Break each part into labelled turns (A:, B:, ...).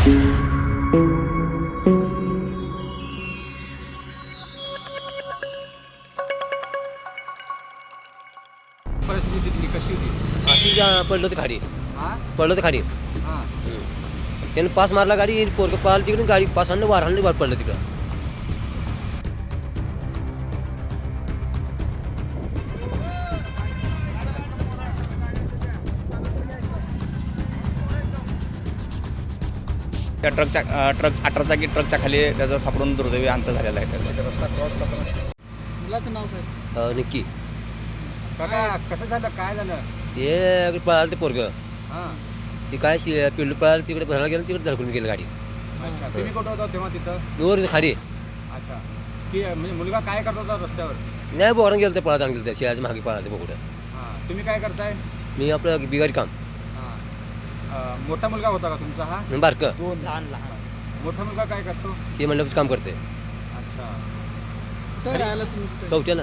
A: परिस्थिती तिथली कशी होती?
B: अशी पडलं होतं खाली,
A: हां
B: पडलं होतं खाली.
A: हां
B: त्यानं पास मारला, गाडी पोरगं पळालं तिकडून, गाडी पास आणलं वार आणलं, पडलं तिकडं.
C: त्या ट्रक 18 चाकी ट्रकच्या खाली त्याचा सापडून दुर्दैवी अंत झालेला आहे त्याचा.
A: रस्ता क्रॉस करताना मुलाचं नाव काय?
B: नक्की
A: काका कसं झालं, काय झालं?
B: ते पळालं ते पोरगं,
A: हां
B: ते काय पिल्लू पळालं तिकडे भरायला गेलं, तिकडे धडकून गेलं गाडी.
A: अच्छा, तुम्ही कुठं होता तेव्हा तिथं?
B: वर खाली
A: अच्छा, की म्हणजे मुलगा काय करत होता रस्त्यावर?
B: नाही बोरानं गेलं, ते पळत गेलं, त्या शेळाच्या मागे पळालं ते बघून.
A: हां तुम्ही काय करताय?
B: मी आपलं बिगारी काम
A: हां मोठा मुलगा होता का तुमचा हा?
B: बारकं
A: दोन लहान लहान. मोठा मुलगा काय करतो?
B: ते म्हणलं काम करते
A: अच्छा, कुठे राहायला तुम्ही?
B: कवट्याला.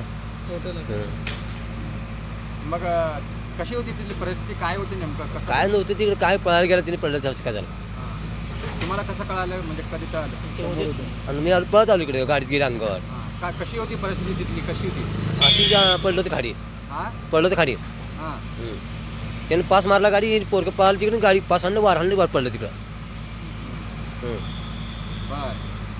A: मग कशी होती तिथली परिस्थिती, काय होती नेमकं, कसं?
B: काय नव्हतं तिकडे, काय पळायला गेलं तिने, पडलं त्याचं काय झालं.
A: हां. तुम्हाला कसं कळालं, म्हणजे कधी कळालं?
B: आणि मी पळत आलो इकडे, गाडीत गेली अंगावर.
A: हां कशी होती परिस्थिती तिथली, कशी होती?
B: अशी पडलं होतं खाली,
A: हां
B: पडलं होतं खाली.
A: हां
B: त्यानं पास मारला, गाडी पोरगं पळालं तिकडून, गाडी पास आणलं वार आणलं, पडलं तिकडं.
A: बर.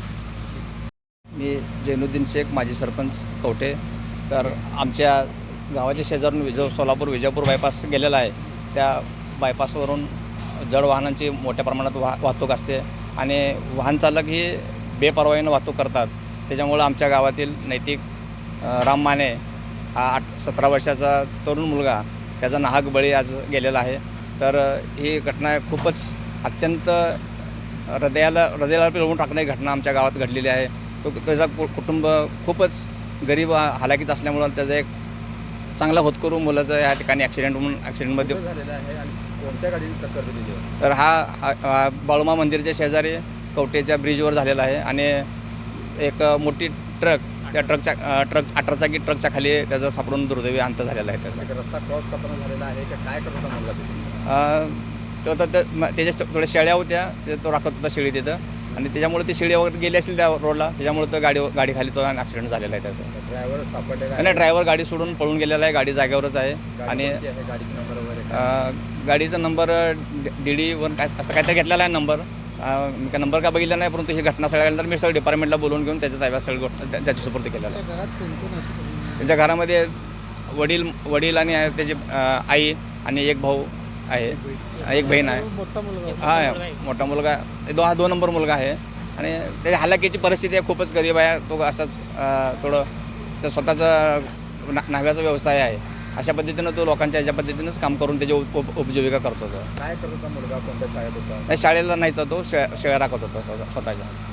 C: मी जैनुद्दीन शेख, माजी सरपंच कवठे. तर आमच्या गावाच्या शेजारून सोलापूर विजापूर बायपास गेलेला आहे. त्या बायपासवरून जड वाहनांची मोठ्या प्रमाणात वाहतूक असते आणि वाहन चालक ही बेपर्वाईनं वाहतूक करतात. त्याच्यामुळं आमच्या गावातील नैतिक राम माने हा 17 वर्षाचा तरुण मुलगा, त्याचा नाहक बळी आज गेलेला आहे. तर ही घटना खूपच अत्यंत हृदयाला पिळवून टाकणारी घटना आमच्या गावात घडलेली आहे. त्याचा कुटुंब खूपच गरीब हालाकीच असल्यामुळं त्याचा एक चांगला होतकरू मुलाचं या ठिकाणी ॲक्सिडेंटमध्ये
A: झालेलं आहे आणि कोणत्या गाडीने टक्कर दिली?
C: तर हा बाळूमा मंदिरच्या शेजारी कवठेच्या ब्रिजवर झालेला आहे आणि एक मोठी ट्रक, त्या ट्रक 18 चाकी ट्रकच्या खाली त्याचा सापडून दुर्दैवी अंत झालेला आहे त्याचा.
A: रस्ता क्रॉस करताना झालेला आहे का, काय करत होता मुलगा तिथे?
C: तो तर त्याच्या थोड्या शेळ्या होत्या, तो राखत होता शेळी तिथं आणि त्याच्यामुळे ती शेळी वगैरे गेली असेल त्या रोडला, त्याच्यामुळे तो गाडी खाली तो ॲक्सिडेंट झालेला आहे त्याचा.
A: ड्रायव्हर सापडलेला आहे?
C: नाही, ड्रायव्हर गाडी सोडून पळून गेलेला आहे, गाडी जागेवरच आहे. आणि
A: गाडीचा नंबर वगैरे
C: गाडीचा नंबर DD1 काय असं काहीतरी घेतलेला आहे नंबर. मी काय नंबर का बघितला नाही, परंतु ही घटना सगळ्यानंतर मी सगळं डिपार्टमेंटला बोलवून घेऊन त्याच्या ताब्यात सगळी गोष्ट त्याची सुपूर्द केलेला आहे.
A: घरात कोण कोण आहे?
C: त्यांच्या घरामध्ये वडील आणि त्याची आई आणि एक भाऊ आहे, एक बहीण आहे.
A: मोठा मुलगा?
C: हा मोठा मुलगा, 2 नंबर मुलगा आहे आणि त्याच्या हालाकीची परिस्थिती आहे, खूपच गरीब आहे तो. असाच थोडं तर स्वतःचा न्हाव्याचा व्यवसाय आहे. अशा पद्धतीनं तो लोकांच्या ह्याच्या पद्धतीनंच काम करून त्याची उपजीविका करतो.
A: काय करत होता मुलगा, कोणत्या शाळेत होता?
C: नाही, शाळेला नाही तर तो शेळ्या राखत होता स्वतःच्या.